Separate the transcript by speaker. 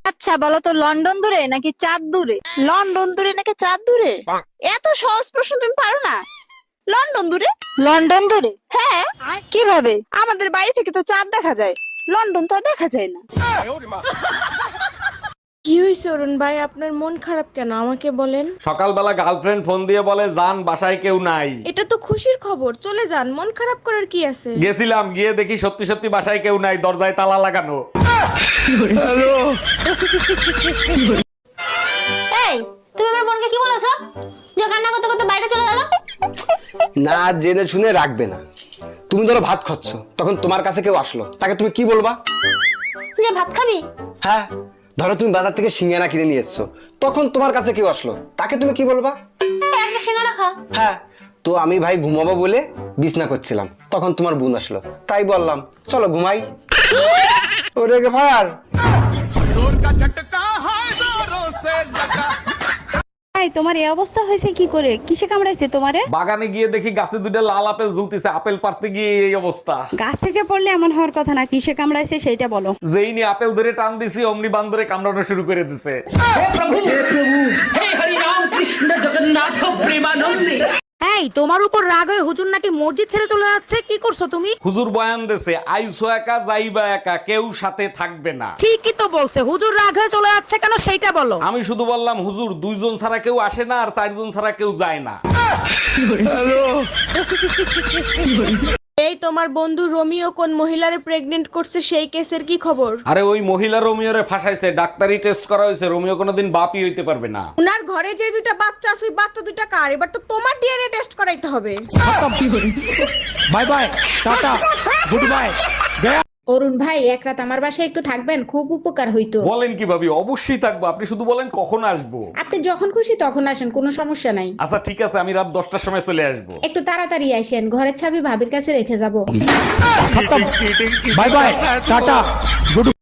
Speaker 1: আচ্ছা বলো তো, লন্ডন দূরে নাকি চাঁদ দূরে?
Speaker 2: লন্ডন দূরে নাকি চাঁদ দূরে? এত সহজ প্রশ্ন তুমি পারো না? লন্ডন দূরে।
Speaker 1: লন্ডন দূরে?
Speaker 2: হ্যাঁ,
Speaker 1: কিভাবে?
Speaker 2: আমাদের বাড়ি থেকে তো চাঁদ দেখা যায়, লন্ডন তো আর দেখা যায় না।
Speaker 3: কি হয়েছে অরুণ ভাই, আপনার মন খারাপ কেন আমাকে বলেন।
Speaker 4: সকালবেলা গার্লফ্রেন্ড ফোন দিয়ে বলে জান বাসায় কেউ নাই।
Speaker 3: এটা তো খুশির খবর, চলে যান, মন খারাপ করার কি আছে।
Speaker 4: গেছিলাম, গিয়ে দেখি সত্যি সত্যি বাসায় কেউ নাই, দরজায় তালা লাগানো।
Speaker 5: এই, তুমি আমার বোনকে কি বলেছো যে কান্না করতে করতে বাইরে চলে গেল?
Speaker 6: না জেনে শুনে রাখবে না। তুমি ধরো ভাত খাচ্ছ, তখন তোমার কাছে কেউ আসলো, তাকে তুমি কি বলবা?
Speaker 5: যে ভাত খাবি?
Speaker 6: হ্যাঁ, ধরো তুমি বাজার থেকে সিঙ্গারা কিনে নিয়ে এসছো, তখন তোমার কাছে কেউ আসলো, তাকে তুমি কি বলবা?
Speaker 5: একটা সিঙ্গারা খা।
Speaker 6: হ্যাঁ, তো আমি ভাই ঘুমাবো বলে বিছনা করছিলাম, তখন তোমার বোন আসলো, তাই বললাম চলো ঘুমাই। ওরে ভার
Speaker 7: তোমার এই অবস্থা হয়েছে কি করে? কিসে কামড়াইছে তোমারে?
Speaker 4: বাগানে গিয়ে দেখি গাছে দুটো লাল আপেল ঝুলতেছে, আপেল পারতে গিয়ে এই অবস্থা।
Speaker 7: গাছ থেকে পড়লে এমন হওয়ার কথা না, কিসে কামড়াইছে সেইটা বলো।
Speaker 4: যেই নিয়ে আপেল ধরে টান দিছি অমনি বান্দরে কামড়ানো শুরু করে দিছে।
Speaker 2: এই, তোমার উপর রাগ হয়ে হুজুর নাকি মসজিদ ছেড়ে চলে যাচ্ছে, কি করছো তুমি?
Speaker 4: হুজুর বয়ান দেছে, আইসো একা যাইবা একা, কেউ সাথে থাকবে না।
Speaker 2: ঠিকই তো বলছে, হুজুর রাগ হয়ে চলে যাচ্ছে কেন সেইটা বলো।
Speaker 4: আমি শুধু বললাম হুজুর দুইজন ছাড়া কেউ আসে না আর চারজন ছাড়া কেউ যায় না।
Speaker 3: এই তোমার বন্ধু রোমিও কোন মহিলারে প্রেগনেন্ট করছে, সেই কেসের কি খবর?
Speaker 4: আরে ওই মহিলা রোমিওরে ফাঁসাইছে, ডাক্তারি টেস্ট করা হয়েছে, রোমিও কোনোদিন বাপই হইতে পারবে না।
Speaker 3: উনার ঘরে যে দুইটা বাচ্চা আছে, ওই বাচ্চা দুইটা কার? এবার তো তোমার ডিএনএ টেস্ট করাইতে হবে।
Speaker 4: Bye bye, tata, good bye.
Speaker 8: Arun ভাই, এক রাত আমার বাসায় একটু থাকবেন, খুব উপকার হইতো।
Speaker 4: বলেন কি ভাবি, অবশ্যই থাকবো, আপনি শুধু বলেন কখন আসবো।
Speaker 8: আপনি যখন খুশি তখন আসেন, কোনো সমস্যা নাই।
Speaker 4: আচ্ছা ঠিক আছে, আমি রাত 10টার সময় চলে আসবো।
Speaker 8: একটু তাড়াতাড়ি আসেন, ঘরের চাবি ভাবির কাছে রেখে যাব।
Speaker 4: By bye, tata, good